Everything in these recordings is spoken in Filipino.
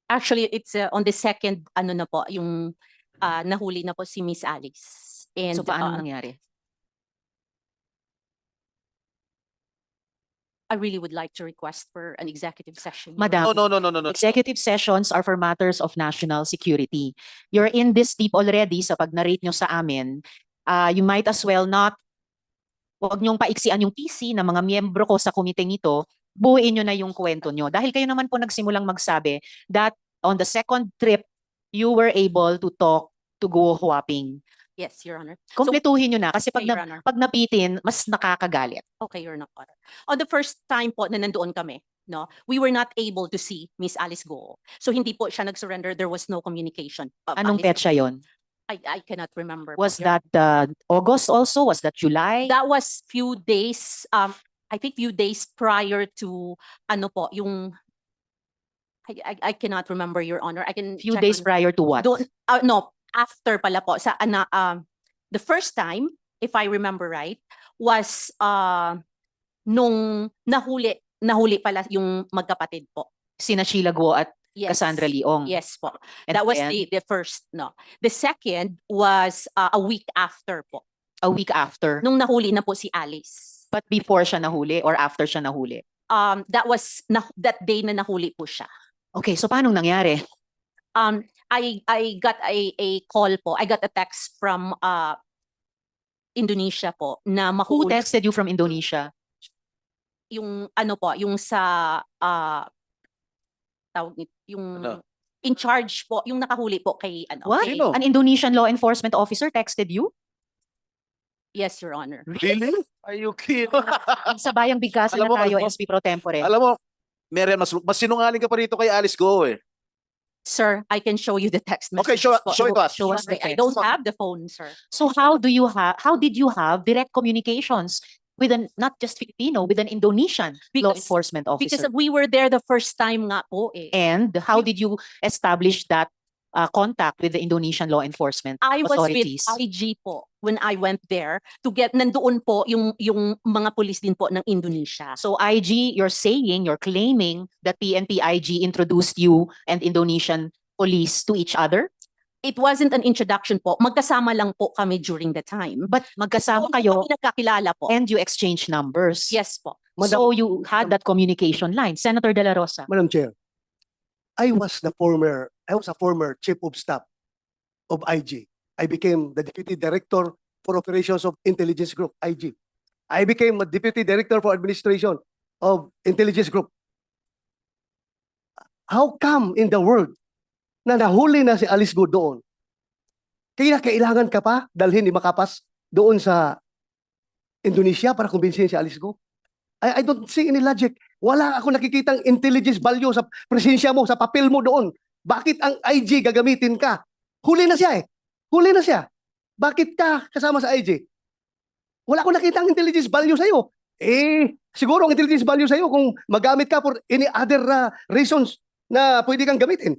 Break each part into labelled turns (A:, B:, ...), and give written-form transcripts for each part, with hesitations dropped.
A: Actually, it's on the second, ano na po, yung nahuli na po si Miss Alice. And
B: So paano nangyari?
A: I really would like to request for an executive session. Your
B: Madam,
A: Honor.
C: No.
B: executive sessions are for matters of national security. You're in this deep already sa pag-narrate nyo sa amin. You might as well not, huwag nyong paiksian yung PC ng mga miyembro ko sa komiteng ito, buuin nyo na yung kwento nyo. Dahil kayo naman po nagsimulang magsabi that on the second trip, you were able to talk to Guo Huaping.
A: Yes, Your Honor.
B: Kompletuhin nyo na kasi pag,
A: Okay, Your Honor.
B: pag napitin, mas nakakagalit.
A: Okay, Your Honor. On the first time po na nandoon kami, no, we were not able to see Miss Alice Go. So hindi po siya nag-surrender. There was no communication.
B: Anong
A: Alice-
B: petsa yon?
A: I cannot remember.
B: Was
A: po, Your
B: that August also? Was that July?
A: That was few days, I think few days prior to, ano po, yung, I cannot remember, Your Honor. I can
B: Few
A: check
B: days
A: on-
B: prior to what?
A: No, after pala po. The first time, if I remember right, was nung nahuli pala yung magkapatid po.
B: Sina Sheila Guo at
A: Yes.
B: Cassandra Leong.
A: Yes po.
B: And
A: That was
B: then,
A: the first, no. The second was a week after po.
B: a week after.
A: Nung nahuli na po si Alice.
B: But before siya nahuli or after siya nahuli?
A: That was that day na nahuli po siya.
B: Okay, so paano nangyari?
A: I got a call po. I got a text from Indonesia po na
B: Who
A: mahuli
B: texted you from Indonesia?
A: yung ano po, yung sa tawag nito, yung
C: Ano?
A: in charge po, yung nakahuli po kay ano.
B: What?
A: kay-
C: Sino?
B: An Indonesian law enforcement officer texted you?
A: Yes, Your Honor.
C: Really? Are you kidding?
B: Sa bayang bigkasan
C: Alam
B: na
C: mo,
B: tayo,
C: alam mo-
B: SP Pro Tempore.
C: Alam mo, Marian, mas sinungaling ka pa rito kay Alice Go eh.
A: Sir, I can show you the text
C: Okay,
A: messages po.
C: show it to us.
B: Show us the
A: I
B: text.
A: don't have the phone, sir.
B: So how did you have direct communications with not just Filipino, with an Indonesian law
A: Because-
B: enforcement
A: Because
B: officer?
A: we were there the first time nga po eh.
B: And how did you establish that contact with the Indonesian law enforcement
A: I was with
B: authorities?
A: IG po when I went there to get, nandoon po yung mga pulis din po ng Indonesia.
B: So IG, you're claiming that PNP IG introduced you and Indonesian police to each other?
A: It wasn't an introduction po. Magkasama lang po kami during the time.
B: But magkasama
A: Hindi
B: kayo
A: kami nagkakilala po.
B: and you exchange numbers.
A: Yes po.
B: So you had that communication line. Senator De La Rosa.
D: Madam Chair, I was a former chief of staff of IG. I became the deputy director for operations of intelligence group, IG. I became a deputy director for administration of intelligence group. How come in the world na nahuli na si Alice Go doon? Kaya kailangan ka pa dalhin ni Makapas doon sa Indonesia para kumbinsihin si Alice Go? I don't see any logic. Wala ako nakikitang intelligence value sa presensya mo, sa papel mo doon. Bakit ang IG gagamitin ka? Huli na siya eh. Huli na siya. Bakit ka kasama sa IG? Wala akong nakitang intelligence value sa'yo. Siguro ang intelligence value sa'yo kung magamit ka for any other reasons na pwede kang gamitin.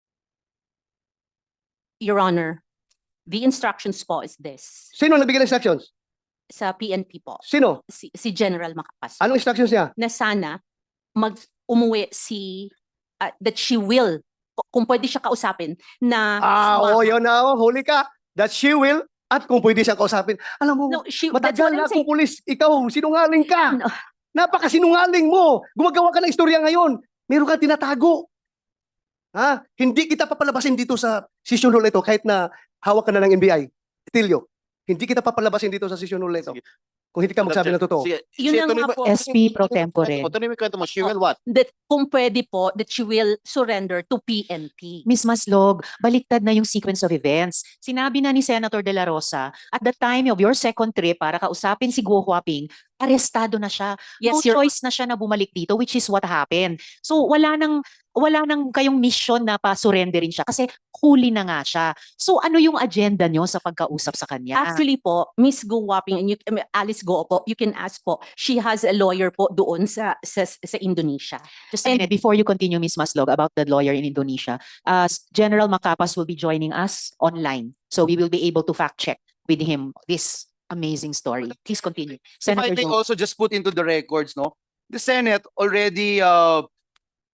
A: Your Honor, the instructions po is this.
D: Sino nagbigay ng instructions?
A: Sa PNP po.
D: Sino?
A: Si General Macapas.
D: Anong instructions niya?
A: Na sana umuwi that she will, kung pwede siya kausapin, na
D: Oo, yun na. Huli ka. That she will at kung pwede siyang kausapin. Alam mo,
A: No, that's
D: matagal
A: what I'm
D: na
A: saying.
D: akong pulis. Ikaw, sinungaling ka.
A: No.
D: Napakasinungaling mo. Gumagawa ka ng istorya ngayon. Meron kang tinatago. Ha? Hindi kita papalabasin dito sa session hall ito kahit na hawak ka na ng NBI. Tilio, hindi kita papalabasin dito sa session hall ito.
C: Sige.
D: Kung hindi ka magsabi ng totoo.
C: Sige,
A: Yun
C: sige,
A: lang
C: tuloy
A: nga
C: mo-
A: po.
B: SP Pro Tempore.
C: Tuloy mo yung kwento mo. She will what?
A: That kung pwede po, that she will surrender to PNP.
B: Miss Maslog, baliktad na yung sequence of events. Sinabi na ni Senator De La Rosa, at the time of your second trip para kausapin si Guo Huaping, arestado na siya.
A: Yes,
B: No
A: Your
B: choice na siya na bumalik dito, which is what happened. So wala nang kayong mission na pa-surrenderin siya kasi huli na nga siya. So ano yung agenda nyo sa pagkausap sa kanya?
A: Actually po, Miss Go Waping and Alice Go po, you can ask po, she has a lawyer po doon sa Indonesia.
B: Just a minute, before you continue, Miss Maslog, about the lawyer in Indonesia, General Macapas will be joining us online. So we will be able to fact check with him this amazing story. Please continue.
C: If I
B: Senator
C: may
B: Joe.
C: also just put into the records, no? The Senate already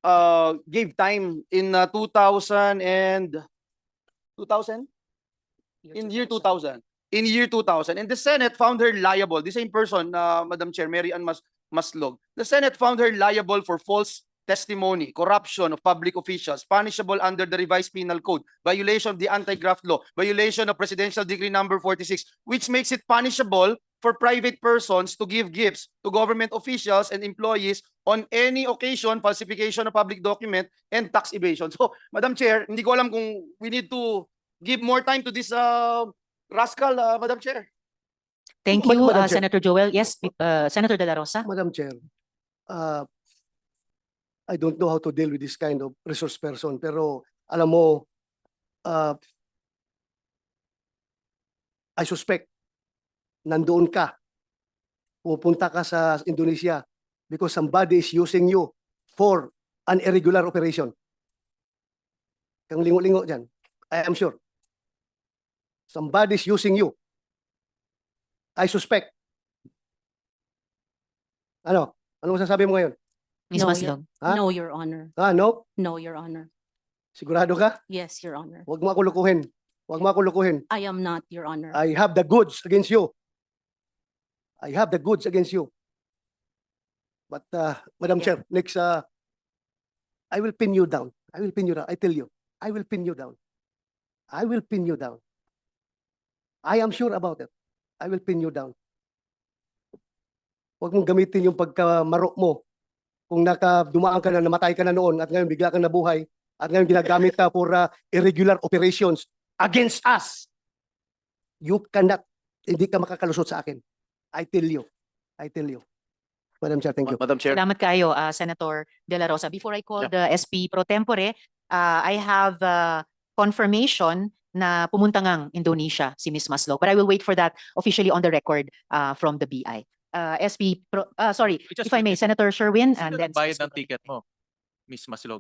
C: gave time in 2000 and 2000? In year 2000. In year 2000. And the Senate found her liable. The same person, Madam Chair, Mary Ann Maslog. The Senate found her liable for false testimony, corruption of public officials, punishable under the revised penal code, violation of the anti-graft law, violation of Presidential Decree number 46, which makes it punishable for private persons to give gifts to government officials and employees on any occasion, falsification of public document, and tax evasion. So, Madam Chair, hindi ko alam kung we need to give more time to this rascal, Madam Chair.
B: Thank
D: Ma-
B: you,
D: Madam Chair.
B: Senator Joel. Yes, Senator De La Rosa.
D: Madam Chair, I don't know how to deal with this kind of resource person, pero alam mo, I suspect nandoon ka, pupunta ka sa Indonesia because somebody is using you for an irregular operation. Kang lingo-lingo dyan, I am sure. Somebody is using you. I suspect. Ano? Ano masasabi mo ngayon?
B: Ms.
A: No,
B: Maslog.
D: Ha?
A: No, Your Honor.
D: No?
A: No, Your Honor.
D: Sigurado ka?
A: Yes, Your Honor.
D: Huwag mo ako lukuhin. Huwag mo ako lukuhin.
A: I am not, Your Honor.
D: I have the goods against you. I have the goods against you. But Madam Chair, next I will pin you down. I will pin you down. I tell you. I will pin you down. I will pin you down. I am sure about it. I will pin you down. Huwag mong gamitin yung pagkamaro mo. Kung dumaan ka na, namatay ka na noon at ngayon bigla kang nabuhay at ngayon ginagamit ka for irregular operations against us. You cannot, hindi ka makakalusot sa akin. I tell you. I tell you. Madam Chair, thank you.
C: Madam Chair.
B: Salamat kayo, Senator De La Rosa. Before I call
C: Yeah.
B: the SP pro tempore, I have confirmation na pumunta ngang Indonesia si Ms. Maslog. But I will wait for that officially on the record from the BI. Sorry, if I may, Senator Sherwin, and
E: Sino
B: then
E: nagbayad ng ticket mo, Miss Maslog?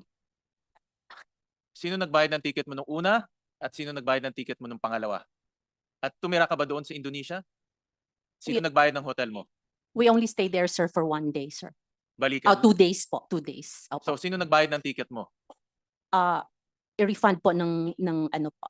E: Sino nagbayad ng ticket mo nung una at sino nagbayad ng ticket mo nung pangalawa? At tumira ka ba doon sa Indonesia? Sino nagbayad ng hotel mo?
A: We only stay there, sir, for 1 day, sir.
E: Balikan.
A: 2 days po. 2 days. Opo.
E: So sino nagbayad ng ticket mo?
A: I-refund po ng ano po,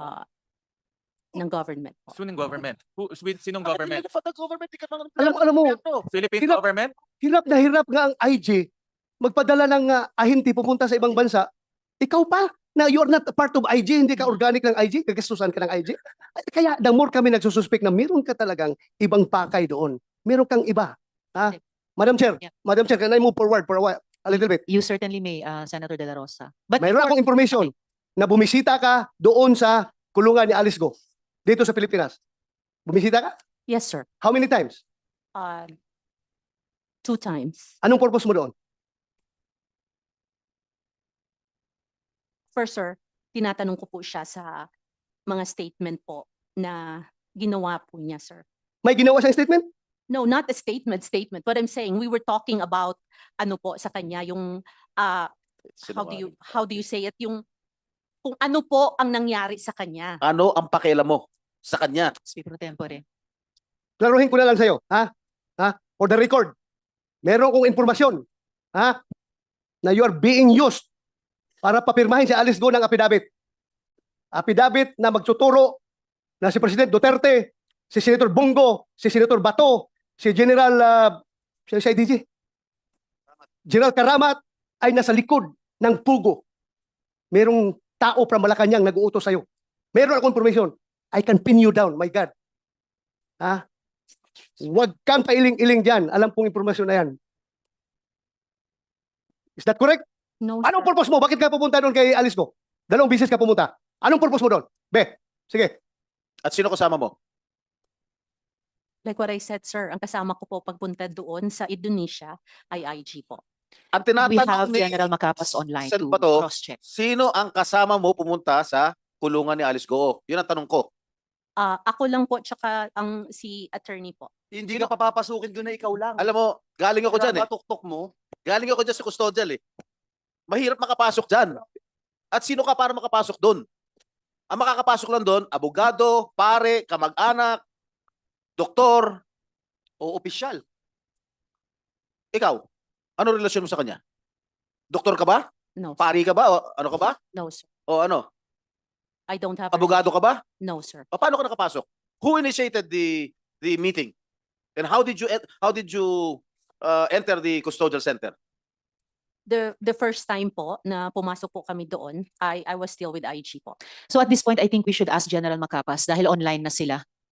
A: ng government po.
E: Sinong government? Sinong government?
D: Alam mo,
E: Philippine
D: Hirap.
E: government?
D: hirap na hirap nga ang IG magpadala ng ahinti pupunta sa ibang bansa. Ikaw pa na you are not a part of IG, hindi ka organic ng IG, gagastusan ka ng IG. Kaya the more kami nagsususpect na meron ka talagang ibang pakay doon. Meron kang iba. Ha? Madam Chair,
B: Yeah.
D: Madam Chair, can I move forward for a little bit?
B: you certainly may, Senator De La Rosa. But
D: Mayroon
B: before-
D: akong information na bumisita ka doon sa kulungan ni Alice Go dito sa Pilipinas. Bumisita ka?
A: Yes, sir.
D: How many times?
A: 2 times.
D: Anong purpose mo doon?
A: First, sir, tinatanong ko po siya sa mga statement po na ginawa po niya, sir.
D: May ginawa siyang statement?
A: No, not a statement. What I'm saying, we were talking about ano po sa kanya, yung how do you say it, yung kung ano po ang nangyari sa kanya.
C: Ano ang pakialam mo sa kanya?
B: SP pro tempore.
D: Klaruhin ko na lang sa'yo. Ha? For the record, meron kong informasyon. Ha? Na you are being used para papirmahin si Alice Go ng affidavit. Affidavit na magtuturo na si President Duterte, si Senator Bongo, si Senator Bato, si General si IDG, General Karamat ay nasa likod ng pugo. Merong tao from Malacanang nag-uutos sa'yo. Meron akong information. I can pin you down, my God. Ha? Huwag kang pailing-iling dyan. Alam kong impormasyon na yan. Is that correct?
A: No,
D: Anong
A: sir.
D: purpose mo? Bakit ka pupunta doon kay Alice Go? 2 beses ka pumunta. Anong purpose mo doon? Be, sige.
C: At sino kasama mo?
A: Like what I said, sir, ang kasama ko po pagpunta doon sa Indonesia ay IG po.
C: Ang
B: We
C: tinatanong
B: have
C: ni
B: General Macapas online
C: Sen.
B: to
C: Bato,
B: cross-check.
C: sino ang kasama mo pumunta sa kulungan ni Alice Go? Yun ang tanong ko.
A: Ako lang po, tsaka ang si attorney po.
F: Hindi ka papapasukin doon na ikaw lang.
C: Alam mo, galing ako dyan eh.
F: Matuktok mo.
C: Galing ako dyan sa custodial eh. Mahirap makapasok dyan. At sino ka para makapasok doon? Ang makakapasok lang doon, abogado, pare, kamag-anak, doktor,
F: O opisyal.
C: ikaw. Ano relasyon mo sa kanya? Doktor ka ba?
A: No, sir.
C: Pari ka ba? O ano ka ba?
A: No, sir.
C: O ano?
A: I don't have a
C: Abogado ka ba?
A: No, sir.
C: O paano ka nakapasok? Who initiated the meeting? And how did you enter the custodial center?
A: The first time po na pumasok po kami doon, I was still with IG po.
B: So at this point, I think we should ask General Macapas dahil online na sila.